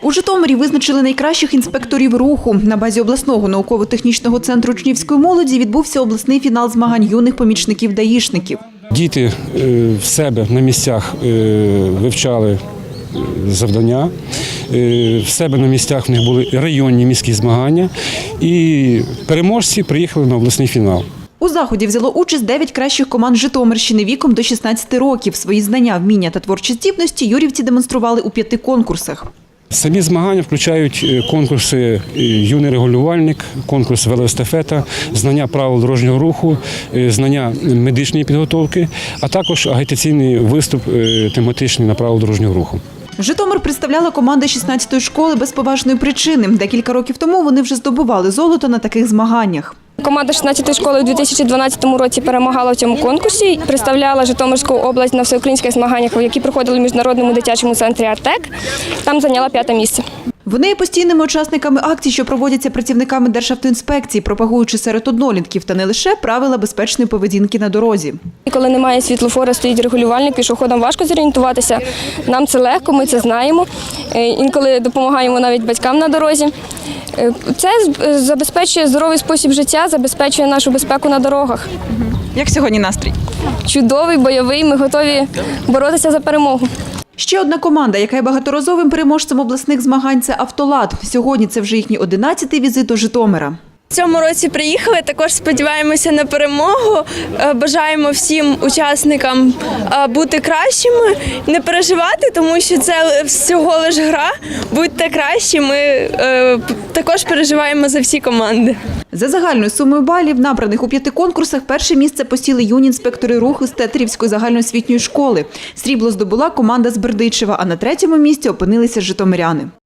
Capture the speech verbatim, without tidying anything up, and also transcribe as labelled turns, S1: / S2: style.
S1: У Житомирі визначили найкращих інспекторів руху. На базі обласного науково-технічного центру учнівської молоді відбувся обласний фінал змагань юних помічників даїшників.
S2: Діти в себе на місцях вивчали завдання, в себе на місцях в них були районні міські змагання, і переможці приїхали на обласний фінал.
S1: У заході взяло участь дев'ять кращих команд Житомирщини віком до шістнадцяти років. Свої знання, вміння та творчі здібності юрівці демонстрували у п'яти конкурсах.
S2: Самі змагання включають конкурси «Юний регулювальник», конкурс «Велоестафета», знання правил дорожнього руху, знання медичної підготовки, а також агітаційний виступ тематичний на правила дорожнього руху.
S1: Житомир представляла команда шістнадцятої школи без поважної причини. Декілька років тому вони вже здобували золото на таких змаганнях.
S3: Команда шістнадцятої школи у дві тисячі дванадцятому році перемагала в цьому конкурсі, представляла Житомирську область на всеукраїнських змаганнях, які проходили в міжнародному дитячому центрі «Артек». Там зайняла п'яте місце.
S1: Вони є постійними учасниками акцій, що проводяться працівниками Державтоінспекції, пропагуючи серед однолітків та не лише правила безпечної поведінки на дорозі.
S3: Коли немає світлофора, стоїть регулювальник, пішоходам важко зорієнтуватися. Нам це легко, ми це знаємо. Інколи допомагаємо навіть батькам на дорозі. Це забезпечує здоровий спосіб життя, забезпечує нашу безпеку на дорогах.
S1: Як сьогодні настрій?
S3: Чудовий, бойовий, ми готові боротися за перемогу.
S1: Ще одна команда, яка є багаторазовим переможцем обласних змагань – це «Автолад». Сьогодні це вже їхній одинадцятий візит до Житомира.
S4: В цьому році приїхали, також сподіваємося на перемогу, бажаємо всім учасникам бути кращими, не переживати, тому що це всього лиш гра, будьте кращі, ми також переживаємо за всі команди.
S1: За загальною сумою балів, набраних у п'яти конкурсах, перше місце посіли юні інспектори руху з Тетерівської загальноосвітньої школи. Срібло здобула команда з Бердичева, а на третьому місці опинилися житомиряни.